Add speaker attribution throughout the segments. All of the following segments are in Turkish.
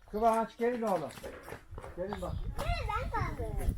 Speaker 1: Kıvanç gelin oğlum. Gelin bak.
Speaker 2: Ben kaldım.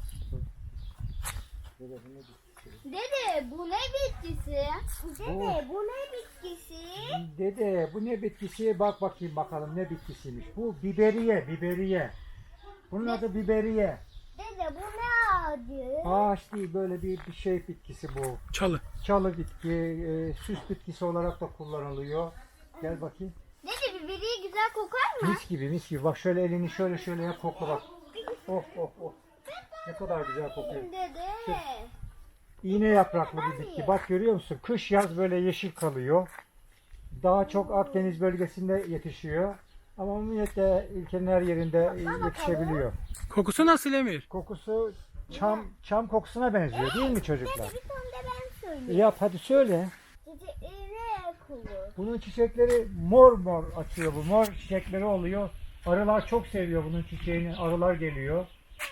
Speaker 1: Dede bu ne bitkisi?
Speaker 2: Dede bu ne bitkisi? Dede bu ne bitkisi?
Speaker 1: Dede bu ne bitkisi? Bak bakayım bakalım ne bitkisiymiş. Bu biberiye, biberiye. Bunun adı biberiye.
Speaker 2: Dede bu ne ağacı?
Speaker 1: Ağaç değil, böyle bir şey bitkisi bu.
Speaker 3: Çalı.
Speaker 1: Çalı bitki, süs bitkisi olarak da kullanılıyor. Gel bakayım.
Speaker 2: Dede biberiye güzel kokar mı?
Speaker 1: Mis gibi mis gibi. Bak şöyle elini şöyle yap, kokla bak. Oh oh oh. Ne kadar güzel kokuyor.
Speaker 2: Dede.
Speaker 1: İğne yapraklı bir bitki. Bak görüyor musun? Kış yaz böyle yeşil kalıyor. Daha çok Akdeniz bölgesinde yetişiyor. Ama umumiyette ülkenin her yerinde yetişebiliyor.
Speaker 3: Kokusu nasıl Emir?
Speaker 1: Kokusu çam kokusuna benziyor değil mi çocuklar?
Speaker 2: Dede bir tane de ben söyleyeyim.
Speaker 1: Yap hadi söyle.
Speaker 2: Dede ne kulu?
Speaker 1: Bunun çiçekleri mor mor açıyor bu. Mor çiçekleri oluyor. Arılar çok seviyor bunun çiçeğini. Arılar geliyor.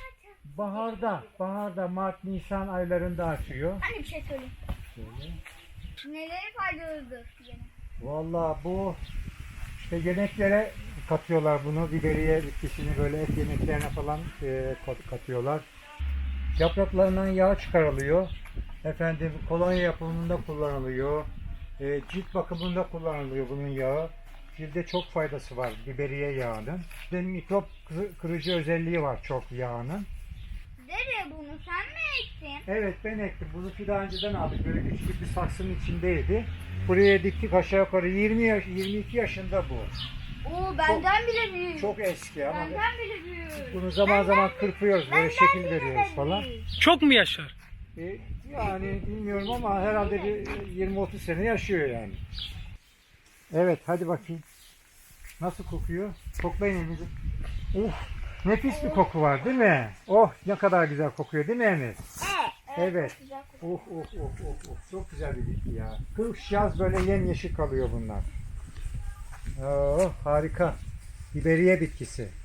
Speaker 1: Baharda Mart, Nisan aylarında açıyor.
Speaker 2: Anne bir şey söyle.
Speaker 1: Şöyle.
Speaker 2: Neleri faydalıdır?
Speaker 1: Vallahi bu işte yemeklere katıyorlar bunu. Biberiye bitkisini böyle et yemeklerine falan katıyorlar. Yapraklarından yağ çıkarılıyor. Efendim kolonya yapımında kullanılıyor. Cilt bakımında kullanılıyor bunun yağı. Cilde çok faydası var biberiye yağının. Benim mikrop kırıcı özelliği var çok yağının.
Speaker 2: Dede bunu sen mi ektin?
Speaker 1: Evet ben ektim. Bunu daha önceden aldık. Böyle küçük bir saksının içindeydi. Buraya diktik aşağı yukarı 22 yaşında bu.
Speaker 2: Oo benden bile büyük.
Speaker 1: Çok eski ama
Speaker 2: Benden bile büyük.
Speaker 1: bunu zaman zaman kırpıyoruz. Böyle şekil veriyoruz falan.
Speaker 3: Çok mu yaşar?
Speaker 1: Yani bilmiyorum ama herhalde bir 20-30 sene yaşıyor yani. Evet hadi bakayım. Nasıl kokuyor? Koklayın elinizi. Nefis bir koku var değil mi? Oh ne kadar güzel kokuyor değil mi Emir? Evet. Oh. Çok güzel bir bitki ya. Kış yaz böyle yemyeşil kalıyor bunlar. Oh harika. Biberiye bitkisi.